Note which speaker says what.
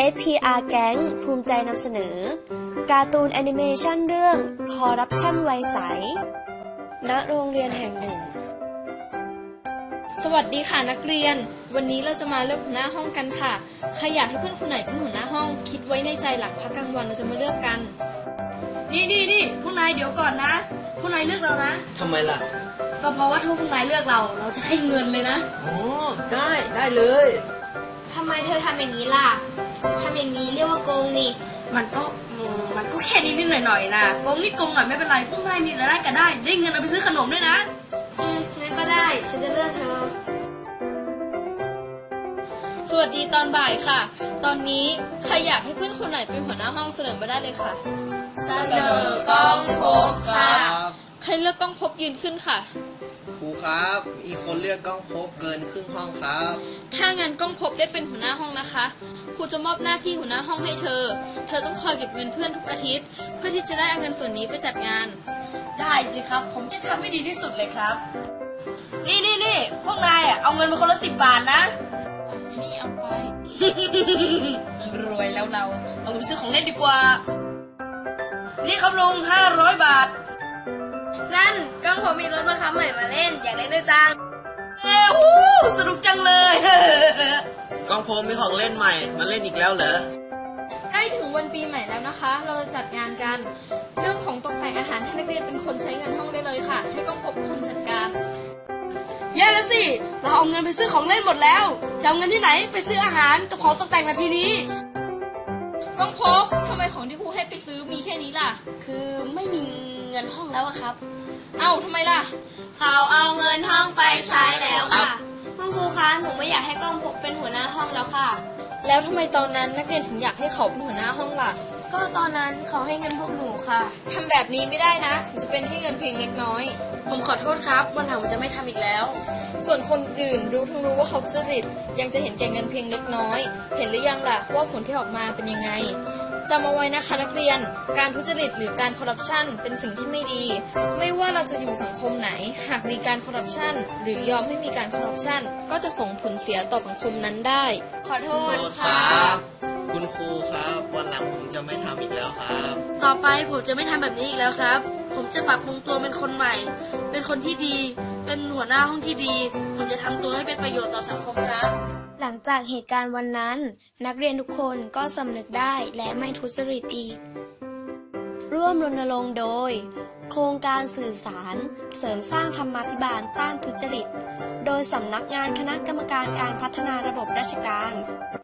Speaker 1: SPR แก๊งภูมิใจนำเสนอการ์ตูนแอนิเมชันเรื่องคอร์รัปชันวัยใสณโรงเรียนแห่งหนึ่ง
Speaker 2: สวัสดีค่ะนักเรียนวันนี้เราจะมาเลือกหัวหน้าห้องกันค่ะใครอยากให้เพื่อนคนไหนเป็นหัวหน้าห้องคิดไว้ในใจหลังพักกลางวันเราจะมาเลือกกัน
Speaker 3: นี่พวกนายเดี๋ยวก่อนนะพวกนายเลือกเรานะ
Speaker 4: ทำไมล่ะ
Speaker 3: ก็เพราะว่าถ้าพวกนายเลือกเราจะให้เงินเลยนะ
Speaker 4: อ๋อได้เลย
Speaker 2: ทำไมเธอทำอย่างนี้ล่ะทำอย่างนี้เรียกว่าโกงนี่
Speaker 3: มันก็แค่นิดหน่อยนะโกงนิดโกงหน่อยไม่เป็นไรพวกนายนี่ได้ก็ได้เงินเอาไปซื้อขนมด้วยนะ
Speaker 2: งั้นก็ได้ฉันจะเลือกเธอสวัสดีตอนบ่ายค่ะตอนนี้ใครอยากให้เพื่อนคนไหนเป็นหัวหน้าห้องเสนอมาได้เลยค่ะ
Speaker 4: เสนอกล้องพบครับ
Speaker 2: ใครเลือกกล้องพบยืนขึ้นค่ะ
Speaker 4: ครูครับมีคนเลือกกล้องพบเกินครึ่งห้องครับ
Speaker 2: ถ้างั้นกล้องพบได้เป็นหัวหน้าห้องนะคะครูจะมอบหน้าที่หัวหน้าห้องให้เธอต้องคอยเก็บเงินเพื่อนทุกอาทิตย์เพื่อที่จะได้เอาเงินส่วนนี้ไปจัดงาน
Speaker 3: ได้สิครับผมจะทำให้ดีที่สุดเลยครับนี่พวกนายเอาเงินมาคนละ10 บาทนะ
Speaker 2: นี่เอาไป
Speaker 3: รวยแล้วเราเอาไปซื้อของเล่นดีกว่านี่ครับลุง500 บาท
Speaker 2: นั่นกล้องผมมีรถมาคับใหม่มาเล่นอยากเล่นด้วยจัง
Speaker 3: สนุกจังเลย
Speaker 4: กล้องพบมีของเล่นใหม่มาเล่นอีกแล้วเหรอ
Speaker 2: ใกล้ถึงวันปีใหม่แล้วนะคะเราจะจัดงานกันเรื่องของตกแต่งอาหารให้นักเรียนเป็นคนใช้เงินห้องได้เลยค่ะให้กล้องพบเป็นคนจัดการ
Speaker 3: แย่แล้วสิเราเอาเงินไปซื้อของเล่นหมดแล้วจะเอาเงินที่ไหนไปซื้ออาหารกับของตกแต่งนาทีนี้
Speaker 2: กล้องพบทำไมของที่ครูให้ไปซื้อมีแค่นี้ล่ะ
Speaker 3: คือไม่มีเงินห้องแล้วครับ
Speaker 2: เอ้าทำไมล่ะ
Speaker 5: เขาเอาเงินห้องไปใช้แล้วค่ะคุณครูคะหนูไม่อยากให้กล้องพบเป็นหัวหน้าห้องแล้วค่ะ
Speaker 2: แล้วทำไมตอนนั้นนักเรียนถึงอยากให้เขาเป็นหัวหน้าห้องล่ะ
Speaker 5: ก็ตอนนั้นเขาให้เงินพวกหนูค่ะ
Speaker 2: ทำแบบนี้ไม่ได้นะถึงจะเป็นแค่เงินเพียงเล็กน้อย
Speaker 3: ผมขอโทษครับวันหลังผมจะไม่ทำอีกแล้ว
Speaker 2: ส่วนคนอื่นรู้ว่าเขาทุจริตยังจะเห็นแก่เงินเพียงเล็กน้อยเห็นหรือยังล่ะว่าผลที่ออกมาเป็นยังไงจำเอาไว้นะคะนักเรียนการทุจริตหรือการคอร์รัปชันเป็นสิ่งที่ไม่ดีไม่ว่าเราจะอยู่สังคมไหนหากมีการคอร์รัปชันหรือยอมให้มีการคอร์รัปชันก็จะส่งผลเสียต่อสังคมนั้นได้
Speaker 5: ขอโทษ
Speaker 4: ครับคุณครูครับวันหลังผมจะไม่ทำอีกแล้วครับ
Speaker 3: ต่อไปผมจะไม่ทำแบบนี้อีกแล้วครับผมจะปรับปรุงตัวเป็นคนใหม่เป็นคนที่ดีเป็นหัวหน้าห้องที่ดีผมจะทำตัวให้เป็นประโยชน์ต่อสังคมครับ
Speaker 1: หลังจากเหตุการณ์วันนั้นนักเรียนทุกคนก็สำนึกได้และไม่ทุจริตอีกร่วมรณรงค์โดยโครงการสื่อสารเสริมสร้างธรรมาภิบาลต้านทุจริตโดยสำนักงานคณะกรรมการการพัฒนาระบบราชการ